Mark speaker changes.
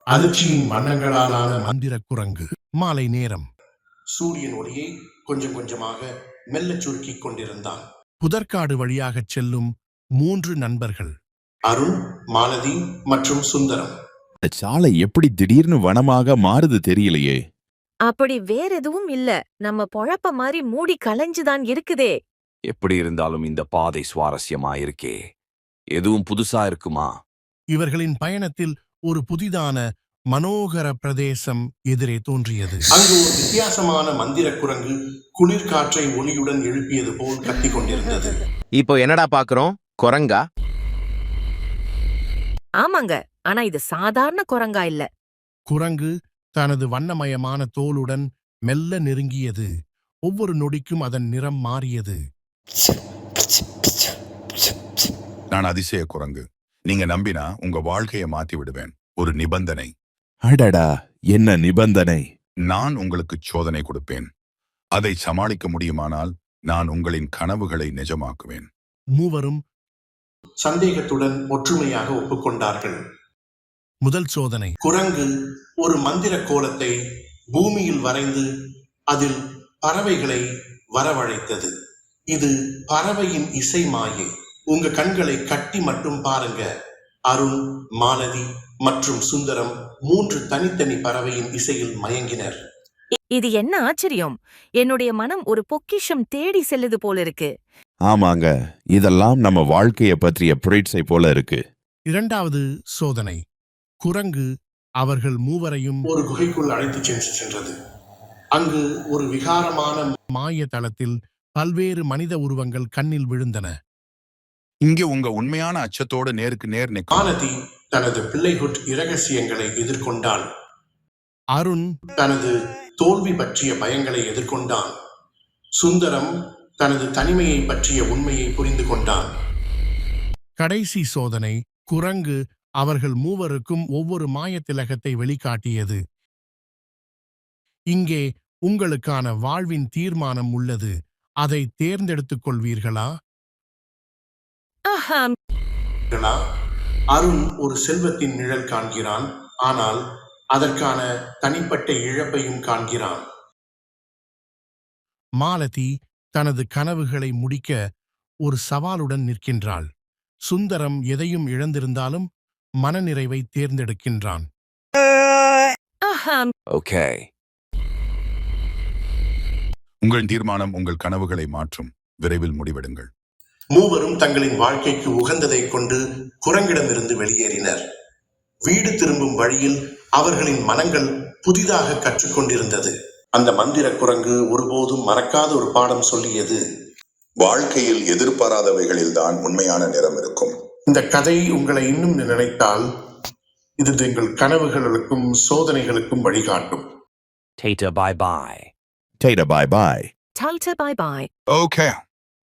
Speaker 1: அதிர்ச்சியின் வண்ணங்களாலான மந்திர குரங்கு. மாலை நேரம்.
Speaker 2: சூரியன் ஒளியை கொஞ்சம் கொஞ்சமாக மெல்லச் சுருக்கிக் கொண்டிருந்தான்.
Speaker 1: புதற்காடு வழியாகச் செல்லும் 3 நண்பர்கள்,
Speaker 2: அருண், மாலதி மற்றும் சுந்தரம்.
Speaker 3: இந்த சாலை எப்படி திடீர்னு வனமாக மாறுது தெரியலையே.
Speaker 4: அப்படி வேற எதுவும் இல்ல, நம்ம பொழப்ப மாதிரி மூடி கலைஞ்சுதான் இருக்குதே.
Speaker 5: எப்படி இருந்தாலும் இந்த பாதை சுவாரஸ்யமா இருக்கே. எதுவும் புதுசா இருக்குமா?
Speaker 1: இவர்களின் பயணத்தில் ஒரு புதிதான மனோகர பிரதேசம் எதிரே தோன்றியது.
Speaker 2: அங்கு ஒரு வித்தியாசமான மந்திர குரங்கு குளிர்காற்றை ஒளியுடன் எழுப்பியது போல் கத்திக் கொண்டிருந்தது.
Speaker 6: இப்போ என்னடா பாக்குறோம்? குரங்கா?
Speaker 4: ஆமாங்க, ஆனா இது சாதாரண குரங்கா இல்ல.
Speaker 1: குரங்கு தனது வண்ணமயமான தோலுடன் மெல்ல நெருங்கியது. ஒவ்வொரு நொடிக்கும் அதன் நிறம் மாறியது.
Speaker 7: நான் அதிசய குரங்கு. நீங்க நம்பினா உங்க வாழ்க்கையை மாத்தி விடுவேன். ஒரு நிபந்தனை.
Speaker 3: அடடா, என்ன நிபந்தனை?
Speaker 7: நான் உங்களுக்கு சோதனை கொடுப்பேன். அதை சமாளிக்க முடியுமானால் நான் உங்களின் கனவுகளை நிஜமாக்குவேன்.
Speaker 1: மூவரும்
Speaker 2: சந்தேகத்துடன் ஒற்றுமையாக ஒப்புக்கொண்டார்கள்.
Speaker 1: முதல் சோதனை.
Speaker 2: குரங்கு ஒரு மந்திர கோலத்தை பூமியில் வரைந்து அதில் பறவைகளை வரவழைத்தது. இது பறவையின் இசை மாயை. உங்க கண்களை கட்டி மட்டும் பாருங்க. அருண், மாலதி மற்றும் சுந்தரம் 3 தனித்தனி பறவையின் இசையில் மயங்கினர்.
Speaker 4: இது என்ன ஆச்சரியம்! என்னுடைய மனம் ஒரு பொக்கிஷம் தேடி செல்லுது போல இருக்கு.
Speaker 3: ஆமாங்க, இதெல்லாம் நம்ம வாழ்க்கைய பற்றிய புரட்சை போல இருக்கு.
Speaker 1: இரண்டாவது சோதனை. குரங்கு அவர்கள் மூவரையும்
Speaker 2: ஒரு குகைக்குள் அழைத்துச் சென்றது. அங்கு ஒரு விகாரமான
Speaker 1: மாய தளத்தில் பல்வேறு மனித உருவங்கள் கண்ணில் விழுந்தன.
Speaker 7: இங்கே உங்க உண்மையான அச்சத்தோடு நேருக்கு நேர் நிற்கும்.
Speaker 2: மாலதி தனது பிள்ளைகுட் இரகசியங்களை எதிர்கொண்டாள்.
Speaker 1: அருண்
Speaker 2: தனது தோல்வி பற்றிய பயங்களை எதிர்கொண்டான். சுந்தரம் தனது தனிமையை பற்றிய உண்மையை புரிந்து கொண்டான்.
Speaker 1: கடைசி சோதனை. குரங்கு அவர்கள் மூவருக்கும் ஒவ்வொரு மாயத்திலகத்தை வெளிக்காட்டியது. இங்கே உங்களுக்கான வாழ்வின் தீர்மானம் உள்ளது. அதை தேர்ந்தெடுத்துக் கொள்வீர்களா?
Speaker 4: ஆஹாம்.
Speaker 2: அருண் ஒரு செல்வத்தின் நிழல் காண்கிறான், ஆனால் அதற்கான தனிப்பட்ட இழப்பையும் காண்கிறான்.
Speaker 1: மாலதி தனது கனவுகளை முடிக்க ஒரு சவாலுடன் நிற்கின்றாள். சுந்தரம் எதையும் இழந்திருந்தாலும் மனநிறைவை தேர்ந்தெடுக்கின்றான்.
Speaker 4: ஆஹாம்.
Speaker 5: ஓகே.
Speaker 7: உங்கள் தீர்மானம் உங்கள் கனவுகளை மாற்றும். விரைவில் முடிவெடுங்கள்.
Speaker 2: மூவரும் தங்களின் வாழ்க்கைக்கு உகந்ததை கொண்டு குரங்கிடமிருந்து வெளியேறினர். வீடு திரும்பும் வழியில் அவர்களின் மனங்கள் புதிதாக கற்றுக்கொண்டிருந்தது. அந்த மந்திர குரங்கு ஒருபோதும் மறக்காத ஒரு பாடம் சொல்லியது.
Speaker 7: வாழ்க்கையில் எதிர்பாராதவைகளில்தான் உண்மையான நிறம் இருக்கும்.
Speaker 2: இந்த கதை உங்களை இன்னும் நினைத்தால் இது எங்கள் கனவுகளுக்கும் சோதனைகளுக்கும் வழிகாட்டும்.
Speaker 5: Tata bye bye.
Speaker 3: Tata bye bye.
Speaker 4: Tata bye bye.
Speaker 7: Okay.